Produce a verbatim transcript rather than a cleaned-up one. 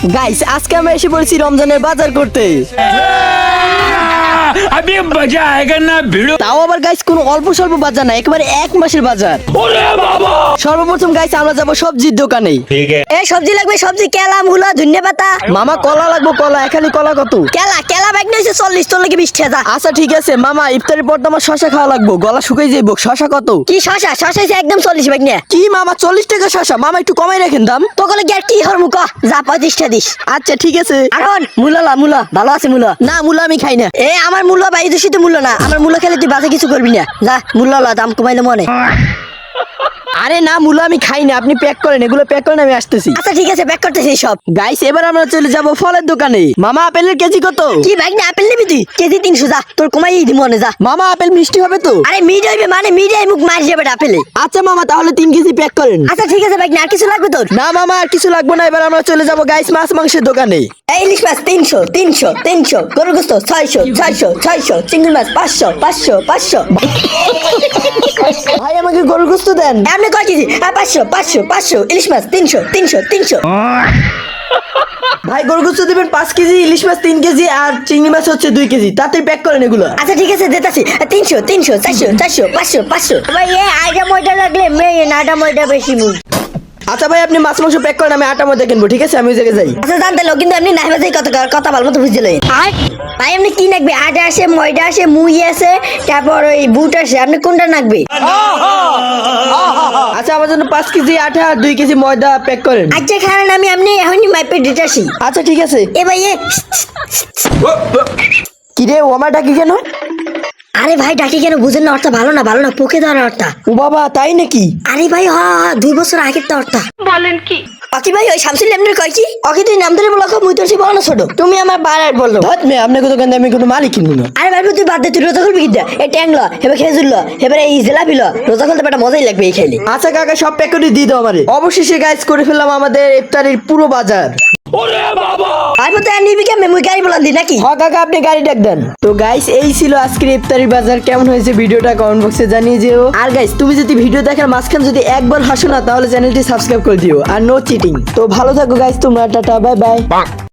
Guys আজকে আমরা এসে পড়েছি রমজানের বাজার করতে। अभी मजा आएगा ना भिड़ो। তাও আবার গাইস কোনো অল্প স্বল্প বাজার না, একেবারে এক মাসের বাজার। ओरे बाबा। সর্বপ্রথম গাইস আমরা যাবো সবজির দোকানে। ठीक है। এই সবজি লাগবে, সবজি কেলা মূলা ধনিয়া পাতা। মামা কলা লাগবো, কলা এখানে কলা কত? কেলা কেলা ব্যাগ নিয়েছে চল্লিশ, তোর লাগে বিশ টাকা। আচ্ছা ঠিক আছে মামা, ইফতারের পর তো আমার শশা খাওয়া লাগবো, গলা শুকাই যাইব। শশা কত? কি শশা? শশা হইছে একদম চল্লিশ ব্যাগ নিয়ে। কি মামা চল্লিশ টাকা শশা? মামা একটু কমাই রাখেন দাম। তোকে কি আর কি হর মুখ যা পঁয়ত্রিশ টাকা দিস। আচ্ছা ঠিক আছে। এখন মূলা মূলা ভালো আছে মূলা। না মূলা আমি খাই না। এ আমার মূল্য বাড়ি দূষিত মূল্য না, আমার মূল্য খেলে তুই বাজে কিছু করবি না। যা মূল্য ল, দাম কমাইলে মনে। আরে না মূলা আমি খাই না, আপনি প্যাক করেন, এগুলো প্যাক করেন, আমি আসতেছি। আচ্ছা ঠিক আছে, প্যাক করতেছি সব। গাইস এবার আমরা চলে যাব ফলের দোকানে। মামা আপেলের কেজি কত? কি ব্যাগ না আপেল নিবি তুই? কেজি তিনশো, যা তোর কমাই দি মনে যা। মামা আপেল মিষ্টি হবে তো? আরে মিড হইবে মানে মিডিয়াই মুখ মারি যাবে আপেলে। আচ্ছা মামা তাহলে তিন কেজি প্যাক করেন। আচ্ছা ঠিক আছে ব্যাগ না, আর কিছু লাগবে তোর? না মামা আর কিছু লাগবে না, এবার আমরা চলে যাব গাইস মাছ মাংসের দোকানে। এই ইলিশ মাছ তিনশো তিনশো তিনশো, গরুর গোস্ত ছয়শো ছয়শো ছয়শো, চিংড়ি মাছ পাঁচশো পাঁচশো পাঁচশো। ভাই আমাকে গরুর গোস্ত দেন। আপনি কয় কেজি? হ্যাঁ পাঁচশো পাঁচশো পাঁচশো, ইলিশ মাছ তিনশো তিনশো তিনশো। ভাই গরুর গোস্ত দিবেন পাঁচ কেজি, ইলিশ মাছ তিন কেজি আর চিংড়ি মাছ হচ্ছে দুই কেজি। তাড়াতাড়ি প্যাক করেন এগুলো। আচ্ছা ঠিক আছে দিতেছি। তিনশো তিনশো চারশো চারশো পাঁচশো পাঁচশো। ভাই এ আইটা ময়দা লাগলে মেয়ে নাটা ময়দা বেশি মুখ। আচ্ছা ভাই আপনি মাছ মাংস প্যাক করেন, আমি আটা মধ্যে কিনবো। ঠিক আছে আমি ওই জায়গায় যাই। আচ্ছা জানতে লো, কিন্তু এমনি নাইবা যাই কত কথা ভালো মতো বুঝতে লই। ভাই এমনি কি নাকবে? আটা আছে, ময়দা আছে, মুই আছে, তারপর ওই বুট আছে, আপনি কোনটা নাকবে? আচ্ছা আমার জন্য পাঁচ কেজি আটা আর দুই কেজি ময়দা প্যাক করেন। আচ্ছা খারান আমি এমনি এখনই মাইপে দিতেছি। আচ্ছা ঠিক আছে। এ ভাই এ কি রে ও আমার ডাকি কেন? আরে ভাই ডাকি কেন বুঝেন না? অর্থ ভালো না, ভালো না, পোকে ধরা অর্থ। ও বাবা তাই নাকি? আরে ভাই হ হ, দুই বছর আগের তো অর্থ। বলেন কি? অকি ভাই ওই শামসুল এমনি কয় কি? অকি তুই নাম ধরে বলো, মুই তোর সে বড় না ছোট? তুমি আমার বাড়ার বললো। ধত মে আপনাকে দোকানে আমি কোনো মালই কিনবো না। আরে ভাই তুই বাদ দে, তুই রোজা খুলবি কিনা? এই ট্যাং ল, এবার খেজুর ল, এবারে এই জিলাপি ল, রোজা খুলতে বেটা মজাই লাগবে এই খাইলে। আচ্ছা কাকা সব প্যাক করে দিয়ে দাও আমারে। অবশেষে গাইস করে ফেললাম আমাদের ইফতারের পুরো বাজার। ओरे बाबा। আর মতো নিবি কেমন? মুই গাড়ি বলান দি নাকি? হ্যাঁ কাকা আপনি গাড়ি ডাক দেন। তো গাইস এই ছিল আজকের ইফতারি বাজার। কেমন হয়েছে ভিডিওটা কমেন্ট বক্সে জানিয়ে দিও। আর গাইস তুমি যদি ভিডিও দেখার মাঝখানে যদি একবার হাসো না, তাহলে চ্যানেলটি সাবস্ক্রাইব করে দিও। আর নো চিটিং। তো ভালো থাকো গাইস তোমরা, টাটা বাই বাই।